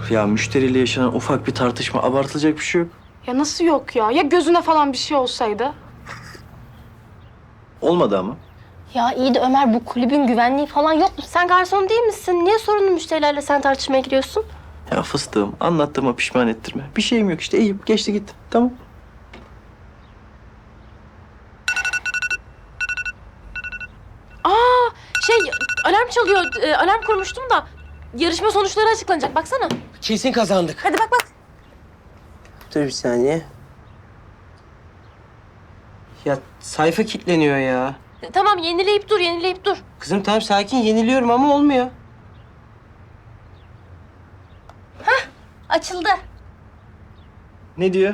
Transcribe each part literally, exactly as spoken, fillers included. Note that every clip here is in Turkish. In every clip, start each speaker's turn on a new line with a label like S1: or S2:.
S1: Ya müşteriyle yaşanan ufak bir tartışma, abartılacak bir şey yok.
S2: Ya nasıl yok ya? Ya gözüne falan bir şey olsaydı?
S1: Olmadı ama.
S3: Ya iyi de Ömer, bu kulübün güvenliği falan yok mu? Sen garson değil misin? Niye sorunlu müşterilerle sen tartışmaya giriyorsun?
S1: Ya fıstığım, anlattığıma pişman ettirme. Bir şeyim yok işte, iyiyim. Geçti gitti. Tamam.
S3: Aa, şey alarm çalıyor. Ee, alarm kurmuştum da yarışma sonuçları açıklanacak. Baksana.
S4: Kesin kazandık.
S3: Hadi bak bak.
S4: Dur bir saniye. Ya sayfa kilitleniyor ya.
S3: E, tamam, yenileyip dur, yenileyip dur.
S4: Kızım tamam sakin yeniliyorum ama olmuyor.
S3: Açıldı.
S1: Ne diyor?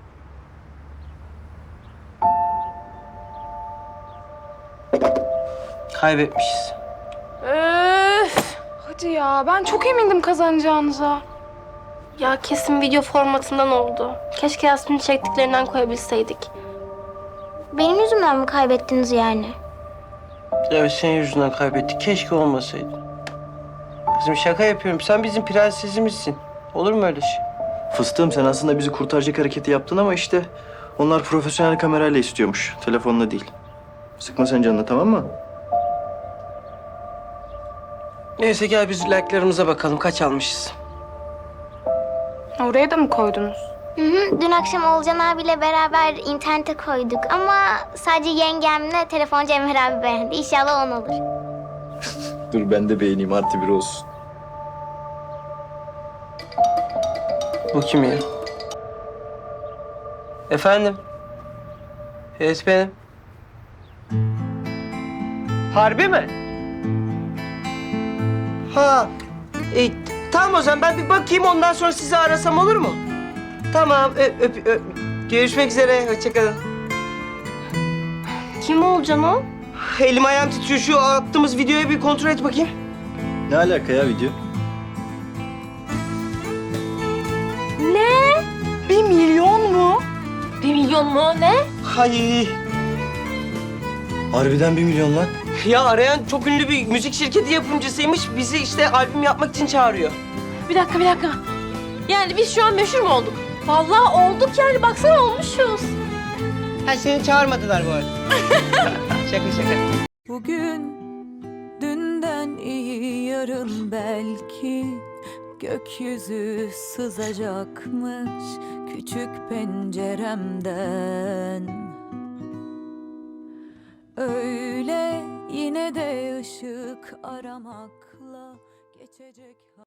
S4: Kaybetmişiz.
S2: Öf. Hadi ya, ben çok emindim kazanacağınıza.
S3: Ya kesin video formatından oldu. Keşke Yasmin'in çektiklerinden koyabilseydik.
S5: Benim yüzümden mi kaybettiniz yani?
S4: Evet senin yüzünden kaybettik. Keşke olmasaydı. Kızım şaka yapıyorum. Sen bizim prensesimizsin. Olur mu öyle şey?
S1: Fıstığım, sen aslında bizi kurtaracak hareketi yaptın ama işte onlar profesyonel kamerayla istiyormuş. Telefonla değil. Sıkma sen canını, tamam mı?
S4: Neyse gel biz like'larımıza bakalım. Kaç almışız?
S2: Oraya da mı koydunuz?
S5: Hı hı. Dün akşam Olcan abiyle beraber internete koyduk ama sadece yengemle telefoncu Emir abi beğendi. İnşallah on olur.
S1: Dur ben de beğeneyim, artı bir olsun.
S4: Bu kim ya? Efendim? Evet benim. Harbi mi? Ha. E, tamam o zaman ben bir bakayım ondan sonra sizi arasam olur mu? Tamam öp, öp, öp. Görüşmek üzere. Hoşçakalın.
S3: Kim olacaksın o?
S4: Elim ayağım titriyor. Şu attığımız videoyu bir kontrol et bakayım.
S1: Ne alaka ya video?
S3: Ne?
S2: Bir milyon mu?
S3: Bir milyon mu? Ne?
S4: Hay.
S1: Harbiden bir milyon lan.
S4: Ya arayan çok ünlü bir müzik şirketi yapımcısıymış. Bizi işte albüm yapmak için çağırıyor.
S3: Bir dakika, bir dakika. Yani biz şu an meşhur mu olduk? Vallahi olduk yani. Baksana olmuşuz.
S4: Ha seni çağırmadılar bu arada. Şaka şaka.
S6: Bugün dünden iyi yarın belki gökyüzü sızacakmış küçük penceremden. Öyle yine de ışık aramakla geçecek.